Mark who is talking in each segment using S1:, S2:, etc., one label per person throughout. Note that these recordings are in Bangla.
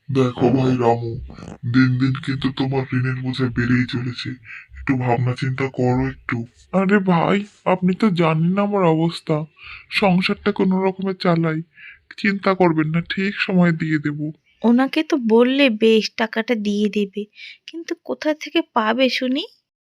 S1: দেখো ভাই রামু, দিন দিন কিন্তু তোমার ঋণের বোঝা বেড়েই চলেছে। একটু ভাবনা চিন্তা করো একটু। আরে ভাই, আপনি তো জানেন না আমার অবস্থা। সংসারটা কোনো রকমে চালাই। চিন্তা করবেন না, ঠিক সময় দিয়ে দেব।
S2: ওনাকে তো বললে বেশ টাকাটা দিয়ে দেবে, কিন্তু কোথা থেকে পাবে শুনি?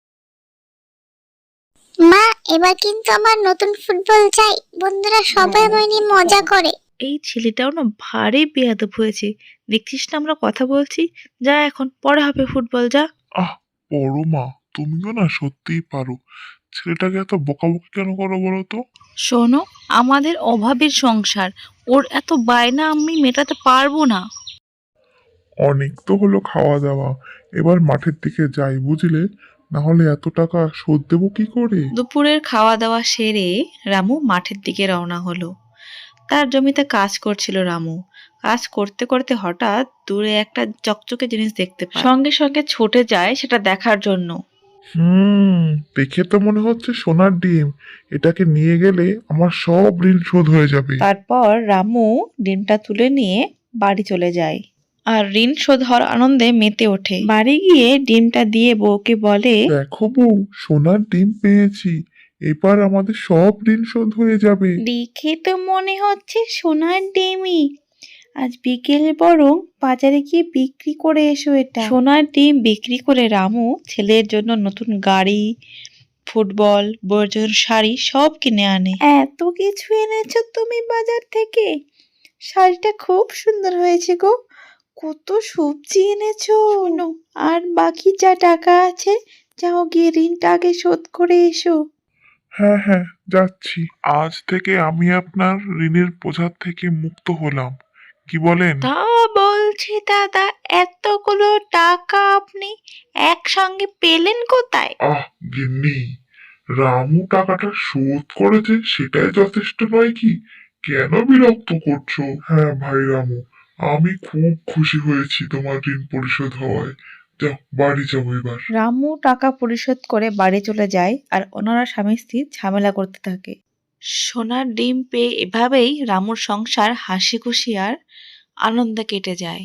S3: মা, এবার কিন্তু আমার নতুন ফুটবল চাই। বন্ধুরা সবাই আমায় নিয়ে মজা করে।
S2: এই ছেলেটাও না ভারী বেয়াদব হয়েছে। দেখছিস না আমরা কথা বলছি? যা, এখন পরে হবে ফুটবল, যা।
S1: আহ, বড় মা, তুমিও না সত্যিই পারো। ছেলেটাকে এত বকাবকি কেন করো বলো তো?
S2: শোনো, আমাদের অভাবের সংসার, ওর এত বায়না আমি মেটাতে পারবো না।
S1: অনেক তো হলো খাওয়া দাওয়া, এবার মাঠের দিকে যাই বুঝলে, না হলে এত টাকা শোধ দেবো কি করে?
S2: দুপুরের খাওয়া দাওয়া সেরে রামু মাঠের দিকে রওনা হলো। তার জমিতে কাজ করছিল রামু। কাজ করতে করতে হঠাৎ দূরে একটা চকচকে জিনিস দেখতে পায়, সঙ্গে সঙ্গে ছুটে যায় সেটা দেখার জন্য।
S1: হুম, দেখে তো মনে হচ্ছে সোনার ডিম। এটাকে নিয়ে গেলে আমার সব ঋণ শোধ হয়ে যাবে।
S2: তারপর রামু ডিমটা তুলে নিয়ে বাড়ি চলে যায় আর ঋণ শোধ হওয়ার আনন্দে মেতে ওঠে। বাড়ি গিয়ে ডিমটা দিয়ে বউকে বলে,
S1: দেখো বউ, সোনার ডিম পেয়েছি। এবার আমাদের সব ঋণ শোধ হয়ে যাবে।
S2: দেখে তো মনে হচ্ছে সোনার ডিমই। আজ বিকেলে বরং বাজারে গিয়ে বিক্রি করে এসো এটা। সোনার ডিম বিক্রি করে রামু ছেলের জন্য নতুন গাড়ি, ফুটবল, বউয়ের জন্য শাড়ি সব কিনে আনে। এত কিছু এনেছো তুমি বাজার থেকে? শাড়িটা খুব সুন্দর হয়েছে গো। কত সবজি এনেছো। শোনো, আর বাকি যা টাকা আছে, যাও গিয়ে ঋণটা আগে শোধ করে এসো।
S1: হ্যাঁ হ্যাঁ, যাচ্ছি। আজ থেকে আমি আপনার ঋণের বোঝার থেকে মুক্ত হলাম। কি বলেন?
S2: তা বলছি দাদা, এতগুলো টাকা আপনি একসঙ্গে পেলেন কোথায়?
S1: আহ গিন্নি, রামু টাকাটা শোধ করেছে সেটাই যথেষ্ট নয় কি? কেন বিরক্ত করছো? হ্যাঁ ভাই রামু, আমি খুব খুশি হয়েছি তোমার ঋণ পরিশোধ হওয়ায়। যাও, বাড়ি যাবো এবার।
S2: রামু টাকা পরিশোধ করে বাড়ি চলে যায় আর ওনারা স্বামী স্ত্রী ঝামেলা করতে থাকে। সোনার ডিম পেয়ে এভাবেই রামুর সংসার হাসি খুশি আর আনন্দে কেটে যায়।